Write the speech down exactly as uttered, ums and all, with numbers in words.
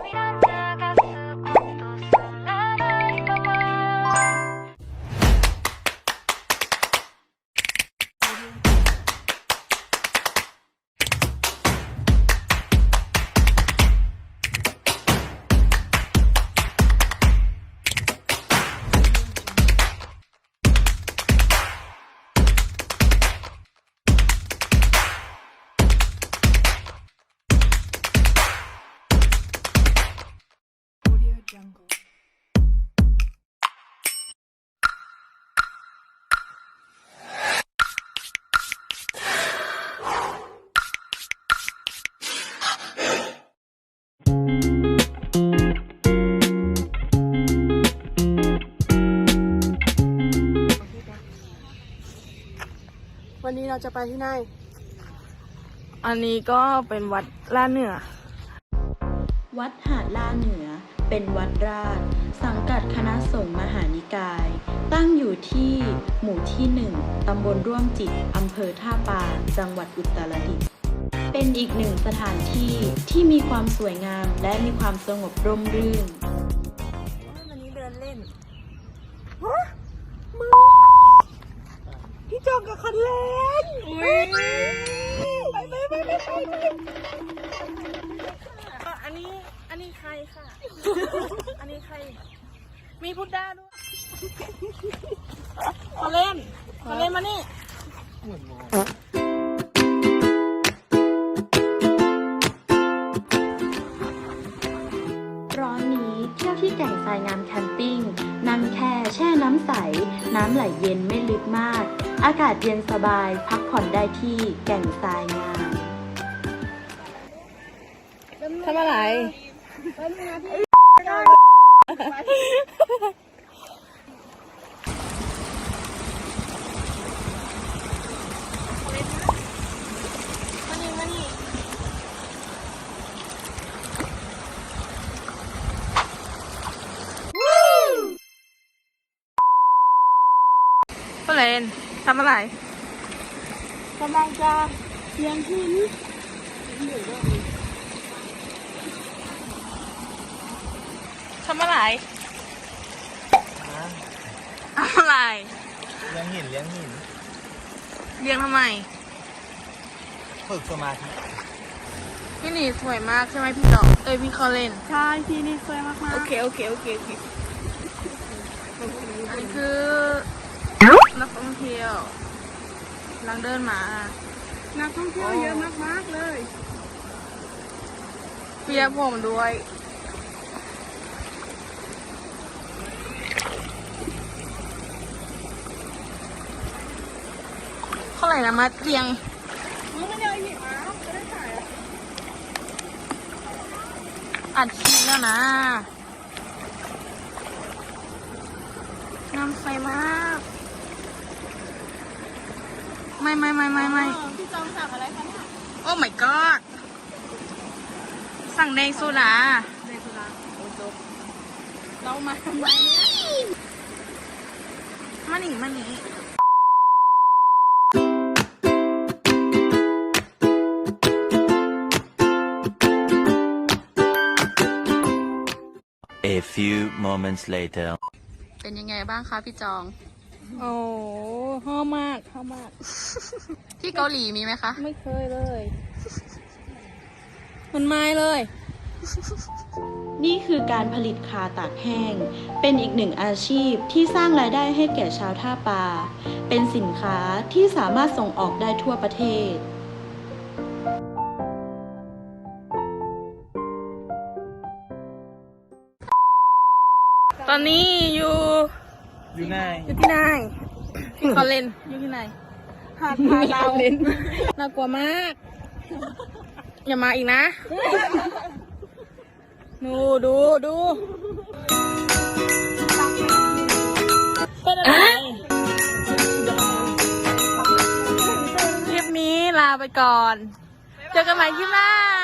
วันนี้เราจะไปที่ไหนอันนี้ก็เป็นวัดล่าเหนือวัดหาดล่าเหนือเป็นวัดราชสังกัดคณะสงฆ์มหานิกาย ตั้งอยู่ที่หมู่ที่หนึ่งตำบลร่วมจิตอำเภอท่าปานจังหวัดอุตรดิตถ์เป็นอีกหนึ่งสถานที่ที่มีความสวยงามและมีความสงบร่มรื่นวันนี้เดินเล่นพี่จองกับคันเล่นอุ้ยไปไปไปไปไปอันนี้ อันนี้ใครค่ะ อันนี้ใคร มีพุดด้าด้วยมาเล่นมาเล่นมานี่ร้อนนี้เที่ยวที่แก่งทรายงามแคมปิ้งนั่งแค่แช่น้ำใสน้ำไหลเย็นไม่ลึกมากอากาศเย็นสบายพักผ่อนได้ที่แก่งทรายงามทำอะไรมานี่มานี่เล่นทำอะไรกำลังจะเลี้ยงหินทำอะไรอะไรเลี้ยงหินเลี้ยงหินเลี้ยงทำไมฝึกสมาธิพี่หนีสวยมากใช่ไหมพี่ต่อเอ้ยพี่เขาเล่นใช่ที่นี่สวยมากๆโอเคโอเคโอเคโอเคอันนี้คือนักท่องเที่ยวกำลังเดินมานักท่องเที่ยวเยอะมากๆเลยเปียกผมด้วยเท่าไหร่นะมาเรียงมึงไม่ได้หินมาไม่ได้ถ่ายอ่ะอัดคลิปแล้วนะน้ำใสมากไม่ไม่ไม่ไม่ไม่พี่จองสั่งอะไรคะเนี่ยโอ้ my god สั่งแดงโซดาในสุราโอ้จบเรามาทำไมเนี่ยมาหนีมาหนี A few moments later เป็นยังไงบ้างคะพี่จองโอ้ห้อมากห้อมากที่เกาหลีมีไหมคะไม่เคยเลย มันไม่เลยนี่คือการผลิตคาตากแห้ง เป็นอีกหนึ่งอาชีพที่สร้างรายได้ให้แก่ชาวท่าปา เป็นสินค้าที่สามารถส่งออกได้ทั่วประเทศตอนนี้อยู่อยู่ไหนอยู่ที่ไหนที่เขาเล่นอยู่ที่ไหนหาดพาเราเล่นน่ากลัวมาก อย่ามาอีกนะดูดูดูเป็นอะไรคลิปนี้ลาไปก่อน เจอกันใหม่คลิปหน้า